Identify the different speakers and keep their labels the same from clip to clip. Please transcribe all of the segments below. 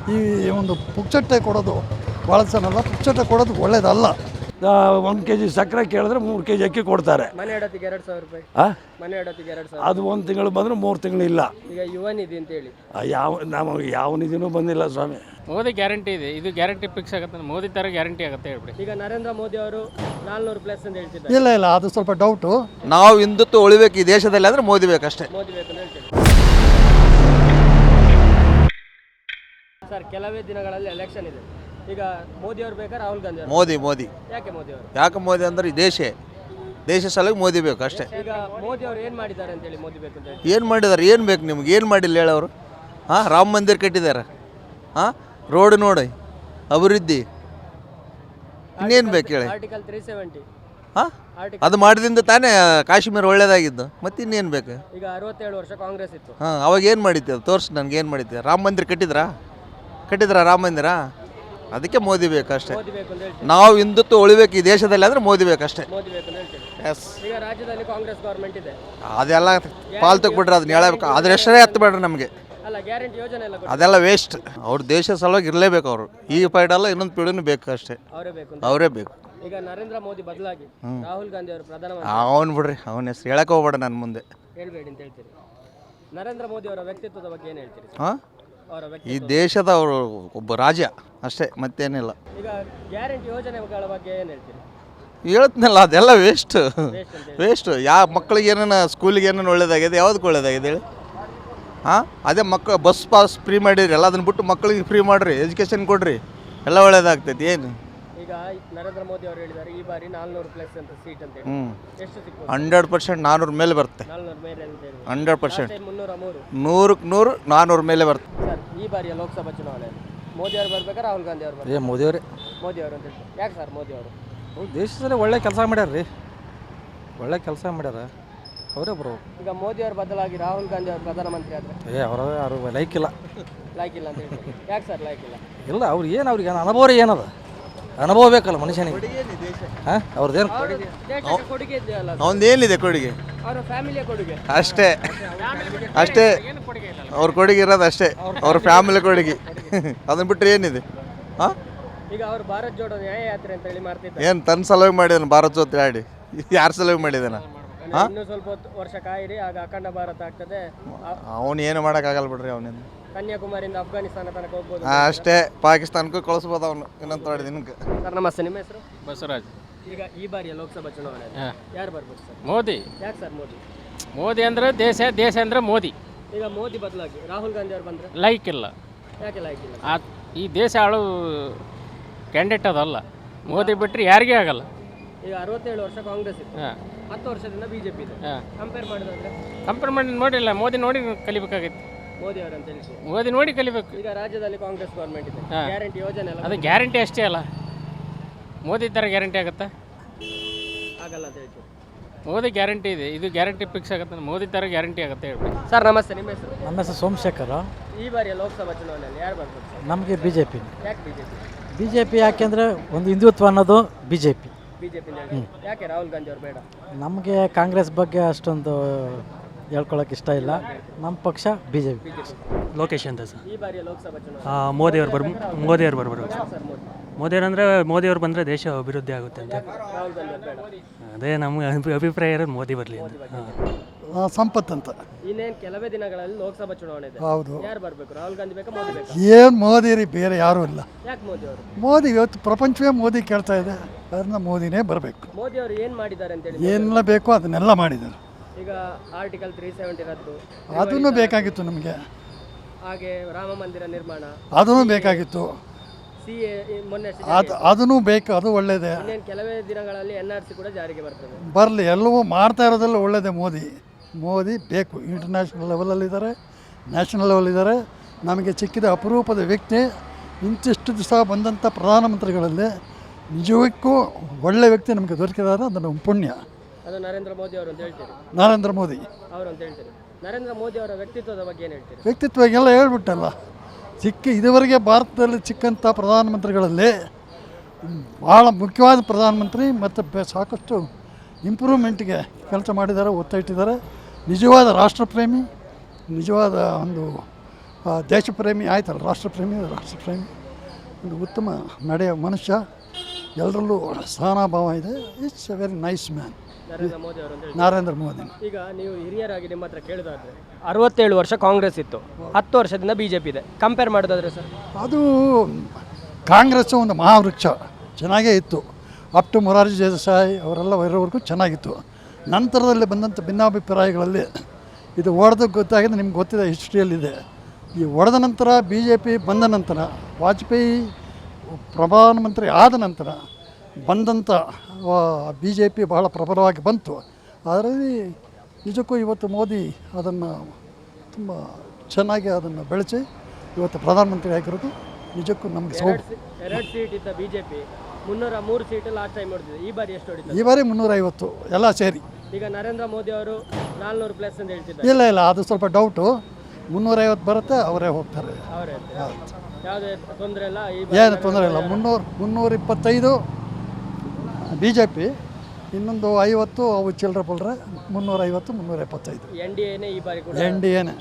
Speaker 1: ಈ ಒಂದು ಪುಕ್ಚಟ್ಟೆ ಕೊಡೋದು ಭಾಳ ಜನಲ್ಲ, ಪುಕ್ಚಟ್ಟೆ ಕೊಡೋದು ಒಳ್ಳೇದಲ್ಲ. 1 kg ಸಕ್ಕರೆ ಕೇಳಿದ್ರೆ 3 kg ಅಕ್ಕಿ ಕೊಡ್ತಾರೆ.
Speaker 2: ಮನೆ ಇಡೋತ್ತಿಗೆ 2,000 ರೂಪಾಯಿ. ಮನೆ ಇಡೋತ್ತಿಗೆ 2,000.
Speaker 1: ಅದು 1 ತಿಂಗಳು ಬಂದರೆ 3 ತಿಂಗಳು ಇಲ್ಲ.
Speaker 2: ಈಗ ಯುವ ನಿಧಿ ಅಂತೇಳಿ
Speaker 1: ನಮಗೆ ಯಾವ ನಿಧಿನೂ ಬಂದಿಲ್ಲ ಸ್ವಾಮಿ.
Speaker 3: ಮೋದಿ ಗ್ಯಾರಂಟಿ ಇದೆ, ಇದು ಗ್ಯಾರಂಟಿ ಫಿಕ್ಸ್ ಆಗುತ್ತೆ. ಮೋದಿ ಥರ ಗ್ಯಾರಂಟಿ ಆಗುತ್ತೆ ಹೇಳ್ಬಿಡಿ.
Speaker 2: ಈಗ ನರೇಂದ್ರ ಮೋದಿ ಅವರು 400+ ಅಂತ ಹೇಳ್ತಿದ್ದಾರೆ.
Speaker 1: ಇಲ್ಲ ಅದು ಸ್ವಲ್ಪ ಡೌಟು.
Speaker 4: ನಾವು ಹಿಂದುತ್ವ ಉಳಿಬೇಕು ಈ ದೇಶದಲ್ಲಿ ಅಂದರೆ ಮೋದಿ ಬೇಕಷ್ಟೇ.
Speaker 2: ಮೋದಿ ಬೇಕು ಅಂತ ಹೇಳ್ತೀವಿ. ಸರ್, ಕೆಲವೇ ದಿನಗಳಲ್ಲಿ ಎಲೆಕ್ಷನ್ ಇದೆ. ಈಗ ಮೋದಿ ಅವರು ಬೇಕಾ ರಾಹುಲ್ ಗಾಂಧಿ ಅವರು?
Speaker 4: ಮೋದಿ.
Speaker 2: ಯಾಕೆ ಮೋದಿ ಅವರು?
Speaker 4: ಯಾಕೆ ಮೋದಿ ಅಂದರೆ ಈ ದೇಶ ಸಲುವಾಗಿ ಮೋದಿ ಬೇಕು ಅಷ್ಟೇ.
Speaker 2: ಈಗ ಮೋದಿ ಅವರು ಏನು ಮಾಡಿದ್ದಾರೆ ಅಂತೇಳಿ ಮೋದಿ ಬೇಕು ಅಂತ ಹೇಳಿ?
Speaker 4: ಏನು ಮಾಡಿದ್ದಾರೆ, ಏನು ಬೇಕು ನಿಮ್ಗೆ? ಏನು ಮಾಡಿಲ್ಲ ಹೇಳವರು? ರಾಮ ಮಂದಿರ ಕಟ್ಟಿದ್ದಾರೆ, ರೋಡ್ ನೋಡಿ, ಅಭಿವೃದ್ಧಿ, ಇನ್ನೇನು ಬೇಕು ಹೇಳಿ?
Speaker 2: ಆರ್ಟಿಕಲ್ 370
Speaker 4: ಅದು ಮಾಡಿದಿಂದ ತಾನೇ ಕಾಶ್ಮೀರ ಒಳ್ಳೇದಾಗಿದ್ದು, ಮತ್ತೆ ಇನ್ನೇನು ಬೇಕು?
Speaker 2: ಈಗ 67 ವರ್ಷ ಕಾಂಗ್ರೆಸ್ ಇತ್ತು.
Speaker 4: ಅವಾಗ ಏನು ಮಾಡಿದ್ದೆ ತೋರಿಸಿ ನನಗೆ, ಏನು ಮಾಡಿದ್ದೆ? ರಾಮ ಮಂದಿರ ಕಟ್ಟಿದ್ರಾ ರಾಮ ಮಂದಿರ? ಅದಕ್ಕೆ ಮೋದಿ ಬೇಕಷ್ಟೇ.
Speaker 2: ಮೋದಿ ಬೇಕು ಅಂತ ಹೇಳ್ತೀವಿ.
Speaker 4: ನಾವು ಹಿಂದುತ್ವ ಉಳಿಬೇಕು ಈ ದೇಶದಲ್ಲಿ ಅಂದರೆ ಮೋದಿ ಬೇಕಷ್ಟೇ.
Speaker 2: ಮೋದಿ ಬೇಕು ಅಂತ ಹೇಳ್ತೀವಿ.
Speaker 4: ಎಸ್.
Speaker 2: ಈಗ ರಾಜ್ಯದಲ್ಲಿ ಕಾಂಗ್ರೆಸ್ ಗೌರ್ಮೆಂಟ್ ಇದೆ.
Speaker 4: ಅದೆಲ್ಲ ಪಾಲ್ತಕ್ಕೆ ಬಿಡ್ರಿ, ಅದನ್ನ ಹೇಳಬೇಕು. ಅದ್ರ ಹೆಸರೇ ಎತ್ತಬೇಡ್ರಿ ನಮಗೆ.
Speaker 2: ಅಲ್ಲ, ಗ್ಯಾರಂಟಿ ಯೋಜನೆ ಎಲ್ಲ
Speaker 4: ಅದೆಲ್ಲ ವೇಸ್ಟ್. ಅವ್ರ ದೇಶ ಸಲುವಾಗಿ ಇರಲೇಬೇಕು ಅವರು. ಈ ಪೈಡಲ್ಲ, ಇನ್ನೊಂದು ಪೀಳಿನೂ ಬೇಕು ಅಷ್ಟೇ. ಅವರೇ ಬೇಕು.
Speaker 2: ಈಗ ನರೇಂದ್ರ ಮೋದಿ ಬದಲಾಗಿ ರಾಹುಲ್ ಗಾಂಧಿ ಅವರು ಪ್ರಧಾನಮಂತ್ರಿ.
Speaker 4: ಅವನು ಬಿಡ್ರಿ, ಅವನ ಹೆಸರು ಹೇಳಕ್ಕೆ ಹೋಗ್ಬೇಡ ನನ್ನ ಮುಂದೆ.
Speaker 2: ಹೇಳ್ಬೇಡಿ ಅಂತ ಹೇಳ್ತೀರಿ. ನರೇಂದ್ರ ಮೋದಿ ಅವರ ವ್ಯಕ್ತಿತ್ವದ ಬಗ್ಗೆ ಏನು ಹೇಳ್ತೀರಿ?
Speaker 4: ಈ ದೇಶದ ಅವರು ಒಬ್ಬ ರಾಜ ಅಷ್ಟೇ, ಮತ್ತೇನಿಲ್ಲ.
Speaker 2: ಈಗ ಗ್ಯಾರಂಟಿ ಯೋಜನೆಗಳ ಬಗ್ಗೆ ಏನು ಹೇಳ್ತೀರಿ?
Speaker 4: ಹೇಳ್ತೀನಲ್ಲ, ಅದೆಲ್ಲ ವೇಸ್ಟ್. ಯಾವ ಮಕ್ಕಳಿಗೆ ಏನೇನು, ಸ್ಕೂಲಿಗೆ ಏನೇನು ಒಳ್ಳೇದಾಗಿದೆ, ಯಾವುದಕ್ಕೆ ಒಳ್ಳೇದಾಗಿದೆ ಹೇಳಿ? ಅದೇ ಮಕ್ಕಳು ಬಸ್ ಪಾಸ್ ಫ್ರೀ ಮಾಡಿರಿ, ಎಲ್ಲ ಅದನ್ನ ಬಿಟ್ಟು ಮಕ್ಕಳಿಗೆ ಫ್ರೀ ಮಾಡಿರಿ, ಎಜುಕೇಷನ್ ಕೊಡ್ರಿ, ಎಲ್ಲ ಒಳ್ಳೇದಾಗ್ತೈತಿ. ಏನು
Speaker 2: ಈಗ ನರೇಂದ್ರ ಮೋದಿ ಅವರು ಹೇಳಿದ್ದಾರೆ ಈ ಬಾರಿ 400+ ಅಂತ ಸೀಟ್ ಅಂತ ಹೇಳಿ. ಎಷ್ಟು ಸಿಗ್ಬೋದು?
Speaker 4: 100% 400 ಮೇಲೆ ಬರುತ್ತೆ.
Speaker 2: 400 ಮೇಲೆ ಅಂತ ಹೇಳಿ
Speaker 4: 100%.
Speaker 2: 303
Speaker 4: 100ಕ್ಕೆ 100 400 ಮೇಲೆ ಬರುತ್ತೆ.
Speaker 2: ಸರ್, ಈ ಬಾರಿಯ ಲೋಕಸಭಾ ಚುನಾವಣೆಯಲ್ಲಿ ಮೋದಿ ಅವರು ಬರ್ಬೇಕಾ ರಾಹುಲ್ ಗಾಂಧಿ ಅವರು ಬರ್ಬೇಕಾ?
Speaker 5: ಮೋದಿ ಅವರೇ.
Speaker 2: ಮೋದಿ ಅವರು ಅಂತ ಹೇಳ್ತಾರೆ. ಯಾಕೆ ಸರ್ ಮೋದಿ ಅವರು?
Speaker 5: ದೇಶದಲ್ಲಿ ಒಳ್ಳೆ ಕೆಲಸ ಮಾಡ್ಯಾರ ರೀ, ಒಳ್ಳೆ ಕೆಲಸ ಮಾಡ್ಯಾರ, ಅವರೇ ಬರೋ.
Speaker 2: ಈಗ ಮೋದಿ ಅವರು ಬದಲಾಗಿ ರಾಹುಲ್ ಗಾಂಧಿ ಅವರು ಪ್ರಧಾನಮಂತ್ರಿ ಆದರೆ
Speaker 5: ಯಾರು ಲೈಕ್ ಇಲ್ಲ
Speaker 2: ಅಂತ ಹೇಳ್ತಾರೆ. ಯಾಕೆ ಸರ್ ಲೈಕ್ ಇಲ್ಲ?
Speaker 5: ಇಲ್ಲ, ಅವ್ರಿಗೆ ಅವ್ರಿಗೆ ಅನುಭವ ಏನದ? ಅನುಭವ ಬೇಕಲ್ಲ ಮನುಷ್ಯನಿಗೆ. ಅವ್ರದ್ದೇನು
Speaker 2: ದೇಶಕ್ಕೆ ಕೊಡುಗೆ ಇದೆಯಲ್ಲ,
Speaker 4: ಅವನದೇನಿದೆ ಕೊಡುಗೆ?
Speaker 2: ಅವರ ಫ್ಯಾಮಿಲಿಯ ಕೊಡುಗೆ
Speaker 4: ಅಷ್ಟೇ. ಅವ್ರ ಕೊಡುಗೆ ಇರೋದು ಅಷ್ಟೇ, ಅವ್ರ ಫ್ಯಾಮಿಲಿ ಕೊಡುಗೆ. ಅದನ್ನ ಬಿಟ್ಟರೆ ಏನಿದೆ?
Speaker 2: ಈಗ ಅವರು ಭಾರತ್ ಜೋಡೋ ನ್ಯಾಯ ಯಾತ್ರೆ ಅಂತ ಹೇಳಿ ಮಾಡ್ತಿದ್ದಾರೆ.
Speaker 4: ಏನು ತನ್ನ ಸಲುವಾಗಿ ಮಾಡಿದಾನೆ ಭಾರತ್ ಜೋತ್ರೆ ಆಡಿ? ಯಾರ ಸಲುವಾಗಿ ಮಾಡಿದಾನ?
Speaker 2: ಇನ್ನೂ ಸ್ವಲ್ಪ ವರ್ಷ ಕಾಯಿರಿ, ಆಗ ಅಖಂಡ ಭಾರತ ಆಗ್ತದೆ.
Speaker 4: ಅವನು ಏನು ಮಾಡೋಕ್ಕಾಗಲ್ಲ ಬಿಡ್ರಿ. ಅವನಿಂದ
Speaker 2: ಕನ್ಯಾಕುಮಾರಿಯಿಂದ ಅಫ್ಘಾನಿಸ್ತಾನ ತನಕ ಹೋಗ್ಬೋದು
Speaker 4: ಅಷ್ಟೇ, ಪಾಕಿಸ್ತಾನಕ್ಕೂ ಕಳಿಸ್ಬೋದು ಅವನು ಇನ್ನೊಂದು ತೊಡೆ ದಿನಕ್ಕೆ.
Speaker 2: ಸರ್ ನಮಸ್ತೆ, ನಿಮ್ಮ ಹೆಸರು?
Speaker 3: ಬಸವರಾಜ್.
Speaker 2: ಈಗ ಈ ಬಾರಿಯ ಲೋಕಸಭಾ ಚುನಾವಣೆ ಯಾರು ಬರ್ಬೋದು ಸರ್?
Speaker 3: ಮೋದಿ.
Speaker 2: ಯಾಕೆ ಸರ್ ಮೋದಿ?
Speaker 3: ಮೋದಿ ಅಂದರೆ ದೇಶ ಅಂದರೆ ಮೋದಿ.
Speaker 2: ಈಗ ಮೋದಿ ಬದಲಾಗಿ ರಾಹುಲ್ ಗಾಂಧಿ ಅವರು ಬಂದರೆ
Speaker 3: ಲೈಕ್ ಇಲ್ಲ.
Speaker 2: ಯಾಕೆ ಲೈಕ್ ಇಲ್ಲ?
Speaker 3: ಈ ದೇಶ ಆಳು ಕ್ಯಾಂಡಿಡೇಟ್ ಅದಲ್ಲ. ಮೋದಿ ಬಿಟ್ಟರೆ ಯಾರಿಗೇ ಆಗಲ್ಲ.
Speaker 2: ಈಗ 67 ವರ್ಷ ಕಾಂಗ್ರೆಸ್ ಇತ್ತು, 10 ವರ್ಷದಿಂದ ಬಿಜೆಪಿ ಇದೆ. ಕಂಪೇರ್
Speaker 3: ಮಾಡಿ ನೋಡಿಲ್ಲ, ಮೋದಿ ನೋಡಿ ಕಲಿಬೇಕಾಗೈತಿ.
Speaker 2: ಮೋದಿ ಅವರು ಅಂತ ಹೇಳಿ
Speaker 3: ಮೋದಿ ನೋಡಿ ಕಲಿಬೇಕು.
Speaker 2: ಈಗ ರಾಜ್ಯದಲ್ಲಿ ಕಾಂಗ್ರೆಸ್ ಗೌರ್ಮೆಂಟ್ ಇದೆ, ಗ್ಯಾರಂಟಿ ಯೋಜನೆ ಎಲ್ಲ
Speaker 3: ಅದು ಗ್ಯಾರಂಟಿ ಅಷ್ಟೇ ಅಲ್ಲ, ಮೋದಿ ಥರ ಗ್ಯಾರಂಟಿ ಆಗುತ್ತಾ?
Speaker 2: ಆಗಲ್ಲ ಅಂತ ಹೇಳ್ತೀವಿ.
Speaker 3: ಮೋದಿ ಗ್ಯಾರಂಟಿ ಇದೆ, ಇದು ಗ್ಯಾರಂಟಿ ಫಿಕ್ಸ್ ಆಗುತ್ತೆ. ಮೋದಿ ಥರ ಗ್ಯಾರಂಟಿ ಆಗುತ್ತೆ ಹೇಳ್ಬಿಡಿ.
Speaker 2: ಸರ್ ನಮಸ್ತೆ, ನಿಮ್ಮ ಹೆಸರು?
Speaker 5: ನಮ್ಮ ಹೆಸರು ಸೋಮಶೇಖರ.
Speaker 2: ಈ ಬಾರಿಯ ಲೋಕಸಭಾ ಚುನಾವಣೆಯಲ್ಲಿ ಯಾರು ಬರ್ಬೋದು ಸರ್?
Speaker 5: ನಮಗೆ BJP.
Speaker 2: ಯಾಕೆ ಬಿಜೆಪಿ?
Speaker 5: BJP ಯಾಕೆಂದರೆ ಒಂದು ಹಿಂದುತ್ವ ಅನ್ನೋದು BJP.
Speaker 2: ಯಾಕೆ ರಾಹುಲ್ ಗಾಂಧಿ ಅವರು ಬೇಡ?
Speaker 5: ನಮಗೆ ಕಾಂಗ್ರೆಸ್ ಬಗ್ಗೆ ಅಷ್ಟೊಂದು ಹೇಳ್ಕೊಳಕ್ಕೆ ಇಷ್ಟ ಇಲ್ಲ. ನಮ್ಮ ಪಕ್ಷ BJP.
Speaker 6: ಲೋಕೇಶ್ ಅಂತ ಸರ್.
Speaker 2: ಈ ಬಾರಿಯ ಲೋಕಸಭಾ ಚುನಾವಣೆ
Speaker 6: ಮೋದಿಯವರು ಬರ್ಬೋದು ಸರ್. ಮೋದಿಯವರು ಬಂದರೆ ದೇಶ ಅಭಿವೃದ್ಧಿ ಆಗುತ್ತೆ ಅಂತ.
Speaker 2: ರಾಹುಲ್ ಗಾಂಧಿ ಅವರು ಬೇಡ?
Speaker 6: ಅದೇ ನಮ್ಮ ಅಭಿಪ್ರಾಯ ಇರೋದು ಮೋದಿ ಬರಲಿ ಅಂತ.
Speaker 1: ಸಂಪತ್ ಅಂತ.
Speaker 2: ಇನ್ನೇನು ಕೆಲವೇ ದಿನಗಳಲ್ಲಿ ಲೋಕಸಭಾ ಚುನಾವಣೆ ಇದೆ.
Speaker 1: ಹೌದು.
Speaker 2: ಯಾರು ಬರಬೇಕು? ರಾಹುಲ್ ಗಾಂಧಿ ಬೇಕಾ ಮೋದಿ ಬೇಕಾ?
Speaker 1: ಏನು ಮೋದಿ ರೀ, ಬೇರೆ ಯಾರೂ ಇಲ್ಲ.
Speaker 2: ಯಾಕೆ ಮೋದಿ ಅವರು?
Speaker 1: ಮೋದಿ ಇವತ್ತು ಪ್ರಪಂಚವೇ ಮೋದಿ ಕೇಳ್ತಾ ಇದೆ, ಅದನ್ನ ಮೋದಿನೇ ಬರಬೇಕು.
Speaker 2: ಮೋದಿ ಅವರು ಏನು ಮಾಡಿದ್ದಾರೆ ಅಂತೇಳಿ?
Speaker 1: ಏನೆಲ್ಲ ಬೇಕೋ ಅದನ್ನೆಲ್ಲ ಮಾಡಿದ್ದಾರೆ.
Speaker 2: ಈಗ ಆರ್ಟಿಕಲ್ 370 ರದ್ದು,
Speaker 1: ಅದನ್ನು ಬೇಕಾಗಿತ್ತು ನಮಗೆ.
Speaker 2: ಹಾಗೆ ರಾಮ ಮಂದಿರ ನಿರ್ಮಾಣ,
Speaker 1: ಅದನ್ನು ಬೇಕಾಗಿತ್ತು.
Speaker 2: CA ಮೊನ್ನೆ
Speaker 1: ಅದನ್ನು ಬೇಕು, ಅದು ಒಳ್ಳೆಯದೇ.
Speaker 2: ಇನ್ನೇನು ಕೆಲವೇ ದಿನಗಳಲ್ಲಿ NRC ಕೂಡ ಜಾರಿಗೆ ಬರ್ತದೆ.
Speaker 1: ಬರಲಿ, ಎಲ್ಲವೂ ಮಾಡ್ತಾ ಇರೋದೆಲ್ಲ ಒಳ್ಳೆಯದೇ. ಮೋದಿ ಬೇಕು. ಇಂಟರ್ನ್ಯಾಷನಲ್ ಲೆವೆಲಲ್ಲಿದ್ದಾರೆ, ನ್ಯಾಷನಲ್ ಲೆವೆಲಿದ್ದಾರೆ. ನಮಗೆ ಸಿಕ್ಕಿದ ಅಪರೂಪದ ವ್ಯಕ್ತಿ. ಇಂತಿಷ್ಟು ದಿವಸ ಬಂದಂಥ ಪ್ರಧಾನಮಂತ್ರಿಗಳಲ್ಲಿ ನಿಜಕ್ಕೂ ಒಳ್ಳೆಯ ವ್ಯಕ್ತಿ ನಮಗೆ ದೊರಕಿದ್ದಾರೆ. ಅದು ನಮ್ಮ ಪುಣ್ಯ.
Speaker 2: ಅದು ನರೇಂದ್ರ ಮೋದಿ ಅವರು ಅಂತ ಹೇಳ್ತೀರಿ?
Speaker 1: ನರೇಂದ್ರ ಮೋದಿ
Speaker 2: ಅವರು ಅಂತ ಹೇಳ್ತೀರಿ. ನರೇಂದ್ರ ಮೋದಿ ಅವರ ವ್ಯಕ್ತಿತ್ವದ ಬಗ್ಗೆ ಏನು ಹೇಳ್ತೀರಿ?
Speaker 1: ವ್ಯಕ್ತಿತ್ವ ಎಲ್ಲ ಹೇಳ್ಬಿಟ್ಟಲ್ಲ. ಇದುವರೆಗೆ ಭಾರತದಲ್ಲಿ ಸಿಕ್ಕಂಥ ಪ್ರಧಾನಮಂತ್ರಿಗಳಲ್ಲಿ ಭಾಳ ಮುಖ್ಯವಾದ ಪ್ರಧಾನಮಂತ್ರಿ ಮತ್ತು ಸಾಕಷ್ಟು ಇಂಪ್ರೂವ್ಮೆಂಟ್ಗೆ ಕೆಲಸ ಮಾಡಿದ್ದಾರೆ, ಒತ್ತ ಇಟ್ಟಿದ್ದಾರೆ. ನಿಜವಾದ ರಾಷ್ಟ್ರಪ್ರೇಮಿ, ನಿಜವಾದ ಒಂದು ದೇಶಪ್ರೇಮಿ ಆಯ್ತಲ್ಲ, ರಾಷ್ಟ್ರಪ್ರೇಮಿ ಒಂದು ಉತ್ತಮ ನಡೆಯ ಮನುಷ್ಯ, ಎಲ್ಲರಲ್ಲೂ ಸಹನಾಭಾವ ಇದೆ. It's a very nice man
Speaker 2: Narendra Modi ಅವರು ಅಂತ ಹೇಳಿ.
Speaker 1: ನರೇಂದ್ರ ಮೋದಿ.
Speaker 2: ಈಗ ನೀವು ಹಿರಿಯರಾಗಿ ನಿಮ್ಮ ಹತ್ರ ಕೇಳೋದಾದ್ರೆ 67 ವರ್ಷ ಕಾಂಗ್ರೆಸ್ ಇತ್ತು, 10 ವರ್ಷದಿಂದ BJP ಇದೆ. ಕಂಪೇರ್ ಮಾಡೋದಾದ್ರೆ ಸರ್,
Speaker 1: ಅದು ಕಾಂಗ್ರೆಸ್ಸು ಒಂದು ಮಹಾವೃಕ್ಷ ಚೆನ್ನಾಗೇ ಇತ್ತು. ಅಪ್ ಟು ಮೊರಾರ್ಜಿ ದೇಸಾಯಿ ಅವರೆಲ್ಲ ಇರೋವರೆಗೂ ಚೆನ್ನಾಗಿತ್ತು. ನಂತರದಲ್ಲಿ ಬಂದಂಥ ಭಿನ್ನಾಭಿಪ್ರಾಯಗಳಲ್ಲಿ ಇದು ಒಡೆದು ಗೊತ್ತಾಗಿದೆ, ನಿಮ್ಗೆ ಗೊತ್ತಿದೆ, ಹಿಸ್ಟ್ರಿಯಲ್ಲಿದೆ. ಈ ಒಡೆದ ನಂತರ BJP ಬಂದ ನಂತರ, ವಾಜಪೇಯಿ ಪ್ರಧಾನಮಂತ್ರಿ ಆದ ನಂತರ ಬಂದಂಥ BJP ಬಹಳ ಪ್ರಬಲವಾಗಿ ಬಂತು. ಅದರಲ್ಲಿ ನಿಜಕ್ಕೂ ಇವತ್ತು ಮೋದಿ ಅದನ್ನು ತುಂಬ ಚೆನ್ನಾಗಿ ಅದನ್ನು ಬೆಳೆಸಿ ಇವತ್ತು ಪ್ರಧಾನಮಂತ್ರಿ ಆಗಿರೋದು ನಿಜಕ್ಕೂ ನಮಗೆ
Speaker 2: ಎರಡು ಸೀಟ್ ಇದ್ದ BJP 303 ಸೀಟ್ ಲಾಸ್ಟ್ ಟೈಮ್ ಹೊಡೆದಿದೆ. ಈ ಬಾರಿ ಎಷ್ಟು ಹೊಡಿತಾರೆ?
Speaker 1: ಈ ಬಾರಿ 350 ಎಲ್ಲ ಸೇರಿ.
Speaker 2: ಈಗ ನರೇಂದ್ರ ಮೋದಿ ಅವರು 400 ಪ್ಲಸ್ ಅಂತ ಹೇಳ್ತಿದ್ದಾರೆ.
Speaker 1: ಇಲ್ಲ ಅದು ಸ್ವಲ್ಪ ಡೌಟು. 350 ಬರುತ್ತೆ, ಅವರೇ ಹೋಗ್ತಾರೆ.
Speaker 2: ಅವರೇ ಯಾವುದೇ ತೊಂದರೆ ಇಲ್ಲ,
Speaker 1: ಏನು ತೊಂದರೆ ಇಲ್ಲ. 325 BJP, ಇನ್ನೊಂದು 50 ಅವು ಚಿಲ್ಲರೆ ಪಲ್ರೆ, 350 375
Speaker 2: NDAನೇ ಈ ಬಾರಿ ಕೂಡ
Speaker 1: NDAನೇ.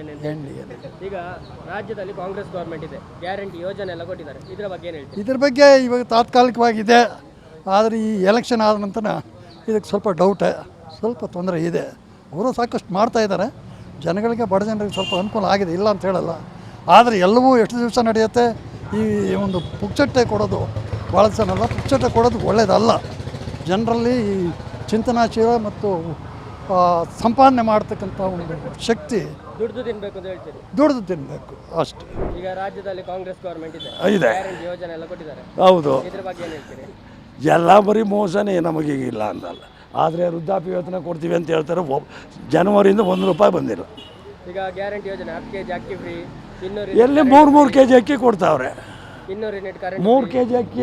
Speaker 2: ಈಗ ರಾಜ್ಯದಲ್ಲಿ ಕಾಂಗ್ರೆಸ್ ಗೌರ್ಮೆಂಟ್ ಇದೆ, ಗ್ಯಾರಂಟಿ ಯೋಜನೆ ಎಲ್ಲ ಕೊಟ್ಟಿದ್ದಾರೆ. ಇದರ ಬಗ್ಗೆ ಏನು ಹೇಳ್ತೀವಿ?
Speaker 1: ಇದ್ರ ಬಗ್ಗೆ ಇವಾಗ ತಾತ್ಕಾಲಿಕವಾಗಿದೆ. ಆದರೆ ಈ ಎಲೆಕ್ಷನ್ ಆದ ನಂತರ ಇದಕ್ಕೆ ಸ್ವಲ್ಪ ಡೌಟೇ, ಸ್ವಲ್ಪ ತೊಂದರೆ ಇದೆ. ಅವರು ಸಾಕಷ್ಟು ಮಾಡ್ತಾ ಇದ್ದಾರೆ, ಜನಗಳಿಗೆ, ಬಡ ಜನರಿಗೆ ಸ್ವಲ್ಪ ಅನುಕೂಲ ಆಗಿದೆ, ಇಲ್ಲ ಅಂತ ಹೇಳಲ್ಲ. ಆದರೆ ಎಲ್ಲವೂ ಎಷ್ಟು ದಿವಸ ನಡೆಯುತ್ತೆ. ಈ ಒಂದು ಪುಕ್ಚಟ್ಟೆ ಕೊಡೋದು ಭಾಳ ಜನಲ್ಲ, ಪುಕ್ಚಟ್ಟೆ ಕೊಡೋದು ಒಳ್ಳೆಯದಲ್ಲ. ಜನರಲ್ಲಿ ಈ ಚಿಂತನಾಶೀಲ ಮತ್ತು ಸಂಪಾದನೆ ಮಾಡ್ತಕ್ಕಂಥ ಒಂದು ಶಕ್ತಿ,
Speaker 2: ದುಡ್ದು ತಿನ್ಬೇಕು ಅಂತ ಹೇಳ್ತೀರಿ?
Speaker 1: ದುಡಿದು ತಿನ್ನಬೇಕು ಅಷ್ಟೇ.
Speaker 2: ಈಗ ರಾಜ್ಯದಲ್ಲಿ ಕಾಂಗ್ರೆಸ್ ಗೌರ್ಮೆಂಟ್ ಇದೆ, ಗ್ಯಾರಂಟಿ ಯೋಜನೆ ಎಲ್ಲ ಕೊಟ್ಟಿದ್ದಾರೆ.
Speaker 7: ಹೌದು,
Speaker 2: ಇದ್ರ ಬಗ್ಗೆ ಏನು ಹೇಳ್ತೀರಿ?
Speaker 7: ಎಲ್ಲ ಬರೀ ಮೋಸನೇ, ನಮಗೀಗ ಇಲ್ಲ ಅಂತಲ್ಲ. ಆದರೆ ವೃದ್ಧಾಪ್ಯ ವೇತನ ಕೊಡ್ತೀವಿ ಅಂತ ಹೇಳ್ತಾರೆ. ಜನವರಿಯಿಂದ ₹1 ಬಂದಿಲ್ಲ.
Speaker 2: ಈಗ ಗ್ಯಾರಂಟಿ ಯೋಜನೆ 10 kg ಅಕ್ಕಿ ಫ್ರೀ, 200
Speaker 7: ಎಲ್ಲಿ 3 kg ಅಕ್ಕಿ ಕೊಡ್ತಾವ್ರೆ.
Speaker 2: 200 ಯೂನಿಟ್ ಕರೆಂಟ್,
Speaker 7: 3 kg ಅಕ್ಕಿ,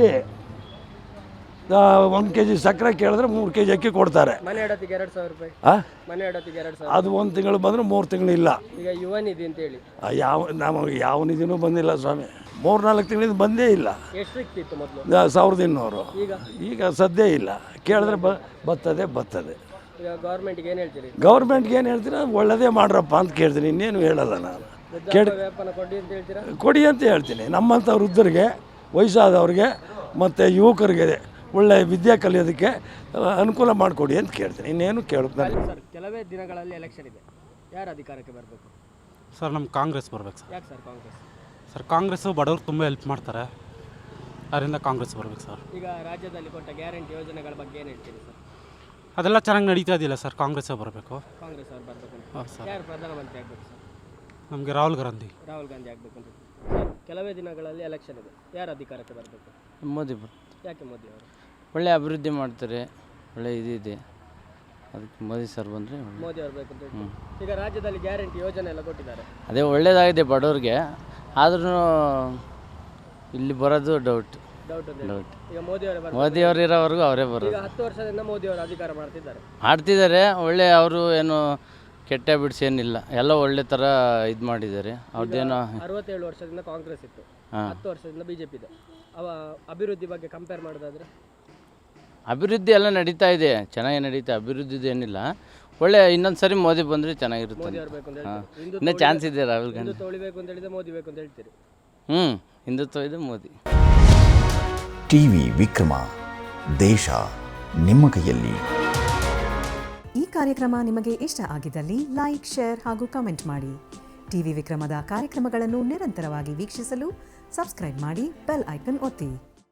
Speaker 7: 1 kg ಸಕ್ಕರೆ ಕೇಳಿದ್ರೆ 3 kg ಅಕ್ಕಿ ಕೊಡ್ತಾರೆ.
Speaker 2: ಮನೆ ಇಡೋತ್ತಿಗೆ 2,000 ರೂಪಾಯಿ. ಮನೆ ಇಡೋತ್ತಿಗೆ 2,000.
Speaker 7: ಅದು 1 ತಿಂಗಳು ಬಂದರೆ 3 ತಿಂಗಳು ಇಲ್ಲ.
Speaker 2: ಈಗ ಯುವ ನಿಧಿ ಅಂತೇಳಿ
Speaker 7: ನಮಗೆ ಯಾವ ನಿಧಿನೂ ಬಂದಿಲ್ಲ ಸ್ವಾಮಿ. 3-4 ತಿಂಗಳಿಂದ ಬಂದೇ ಇಲ್ಲ.
Speaker 2: ಎಷ್ಟು ಸಿಕ್ತಿತ್ತು ಮೊದಲು?
Speaker 7: 1200. ಈಗ ಸದ್ಯ ಇಲ್ಲ. ಕೇಳಿದ್ರೆ ಬರ್ತದೆ.
Speaker 2: ಈಗ ಗೌರ್ಮೆಂಟ್ಗೆ ಏನು ಹೇಳ್ತೀರಿ?
Speaker 7: ಗೌರ್ಮೆಂಟ್ಗೆ ಏನು ಹೇಳ್ತೀರಾ? ಒಳ್ಳೆಯದೇ ಮಾಡ್ರಪ್ಪ ಅಂತ ಕೇಳ್ತೀನಿ, ಇನ್ನೇನು ಹೇಳಲ್ಲ ನಾನು.
Speaker 2: ವ್ಯಾಪಾರ ಕೊಡಿ ಅಂತ ಹೇಳ್ತೀರಾ?
Speaker 7: ಕೊಡಿ ಅಂತ ಹೇಳ್ತೀನಿ. ನಮ್ಮಂಥ ವೃದ್ಧರಿಗೆ, ವಯಸ್ಸಾದವ್ರಿಗೆ ಮತ್ತು ಯುವಕರಿಗೆ ಒಳ್ಳೆಯ ವಿದ್ಯೆ ಕಲಿಯೋದಕ್ಕೆ ಅನುಕೂಲ ಮಾಡಿಕೊಡಿ ಅಂತ ಕೇಳ್ತೀನಿ, ಇನ್ನೇನು ಕೇಳ್ತಾರೆ.
Speaker 2: ಸರ್, ಕೆಲವೇ ದಿನಗಳಲ್ಲಿ ಎಲೆಕ್ಷನ್ ಇದೆ, ಯಾರು ಅಧಿಕಾರಕ್ಕೆ ಬರಬೇಕು?
Speaker 8: ಸರ್, ನಮ್ಮ ಕಾಂಗ್ರೆಸ್ ಬರ್ಬೇಕು ಸರ್.
Speaker 2: ಯಾಕೆ ಸರ್ ಕಾಂಗ್ರೆಸ್?
Speaker 8: ಸರ್, ಕಾಂಗ್ರೆಸ್ಸು ಬಡವ್ರು ತುಂಬ ಹೆಲ್ಪ್ ಮಾಡ್ತಾರೆ, ಅದರಿಂದ ಕಾಂಗ್ರೆಸ್ ಬರ್ಬೇಕು ಸರ್.
Speaker 2: ಈಗ ರಾಜ್ಯದಲ್ಲಿ ಕೊಟ್ಟ ಗ್ಯಾರಂಟಿ ಯೋಜನೆಗಳ ಬಗ್ಗೆ ಏನು ಹೇಳ್ತೀರಿ ಸರ್?
Speaker 8: ಅದೆಲ್ಲ ಚೆನ್ನಾಗಿ ನಡೀತಾ ಇದೆಯಲ್ಲ ಸರ್, ಕಾಂಗ್ರೆಸ್ಸೇ ಬರಬೇಕು.
Speaker 2: ಕಾಂಗ್ರೆಸ್ ಅವ್ರು ಬರಬೇಕು.
Speaker 8: ಹೌದು ಸರ್.
Speaker 2: ಯಾರು ಪ್ರಧಾನಮಂತ್ರಿ ಆಗಬೇಕು ಸರ್?
Speaker 8: ನಮಗೆ ರಾಹುಲ್ ಗಾಂಧಿ
Speaker 2: ಆಗಬೇಕು ಅಂತ. ಸರ್, ಕೆಲವೇ ದಿನಗಳಲ್ಲಿ ಎಲೆಕ್ಷನ್ ಇದೆ, ಯಾರು ಅಧಿಕಾರಕ್ಕೆ ಬರಬೇಕು?
Speaker 5: ಮೋದಿ
Speaker 2: ಯಾಕೆ ಮೋದಿ ಅವರು?
Speaker 5: ಒಳ್ಳೆ ಅಭಿವೃದ್ಧಿ ಮಾಡ್ತಾರೆ, ಒಳ್ಳೆ ಇದೆ, ಅದಕ್ಕೆ ಮೋದಿ ಸರ್ ಬಂದರೆ
Speaker 2: ಮೋದಿ ಅವರು ಬೇಕು ಅಂತ ಹೇಳ್ತೀವಿ. ಈಗ ರಾಜ್ಯದಲ್ಲಿ ಗ್ಯಾರಂಟಿ ಯೋಜನೆ ಎಲ್ಲ ಕೊಟ್ಟಿದ್ದಾರೆ,
Speaker 5: ಅದೇ ಒಳ್ಳೆಯದಾಗಿದೆ ಬಡವ್ರಿಗೆ. ಆದ್ರೂ ಇಲ್ಲಿ ಬರೋದು ಡೌಟ್.
Speaker 2: ಈಗ
Speaker 5: ಮೋದಿ ಅವರು ಇರೋವರೆಗೂ ಅವರೇ ಬರೋದು.
Speaker 2: ಈಗ 10 ವರ್ಷದಿಂದ ಮೋದಿ ಅವರು ಅಧಿಕಾರ
Speaker 5: ಮಾಡ್ತಿದ್ದಾರೆ. ಒಳ್ಳೆ ಅವರು ಏನು ಕೆಟ್ಟ ಬಿಡಿಸಿ ಏನಿಲ್ಲ, ಎಲ್ಲ ಒಳ್ಳೆ ಥರ ಇದು ಮಾಡಿದ್ದಾರೆ. ಅವ್ರದ್ದೇನೋ
Speaker 2: 67 ವರ್ಷದಿಂದ ಕಾಂಗ್ರೆಸ್ ಇತ್ತು, 10 ವರ್ಷದಿಂದ BJP ಇದೆ. ಅಭಿವೃದ್ಧಿ ಬಗ್ಗೆ ಕಂಪೇರ್ ಮಾಡೋದಾದ್ರೆ
Speaker 5: ಅಭಿವೃದ್ಧಿ ಎಲ್ಲ ನಡೀತಾ ಇದೆ, ಚೆನ್ನಾಗಿ ನಡೀತಾ. ಅಭಿವೃದ್ಧಿದು ಏನಿಲ್ಲ, ಒಳ್ಳೆ ಇನ್ನೊಂದು ಸರಿ ಮೋದಿ ಬಂದರೆ ಚೆನ್ನಾಗಿರುತ್ತೆ. ಇನ್ನೂ ಚಾನ್ಸ್ ಇದೆ. ರಾಹುಲ್ ಗಾಂಧಿ
Speaker 2: ತೊಳಿಬೇಕು ಅಂತ ಹೇಳಿದ್ರೆ ಮೋದಿ ಬೇಕು ಅಂತ ಹೇಳ್ತೀರಿ?
Speaker 5: ಹಿಂದುತ್ವ ಇದೆ, ಮೋದಿ.
Speaker 9: ಟಿವಿ ವಿಕ್ರಮ, ದೇಶ ನಿಮ್ಮ ಕೈಯಲ್ಲಿ.
Speaker 10: ಈ ಕಾರ್ಯಕ್ರಮ ನಿಮಗೆ ಇಷ್ಟ ಆಗಿದ್ದಲ್ಲಿ ಲೈಕ್, ಶೇರ್ ಹಾಗೂ ಕಮೆಂಟ್ ಮಾಡಿ. ಟಿವಿ ವಿಕ್ರಮದ ಕಾರ್ಯಕ್ರಮಗಳನ್ನು ನಿರಂತರವಾಗಿ ವೀಕ್ಷಿಸಲು ಸಬ್ಸ್ಕ್ರೈಬ್ ಮಾಡಿ, ಬೆಲ್ ಐಕನ್ ಒತ್ತಿ.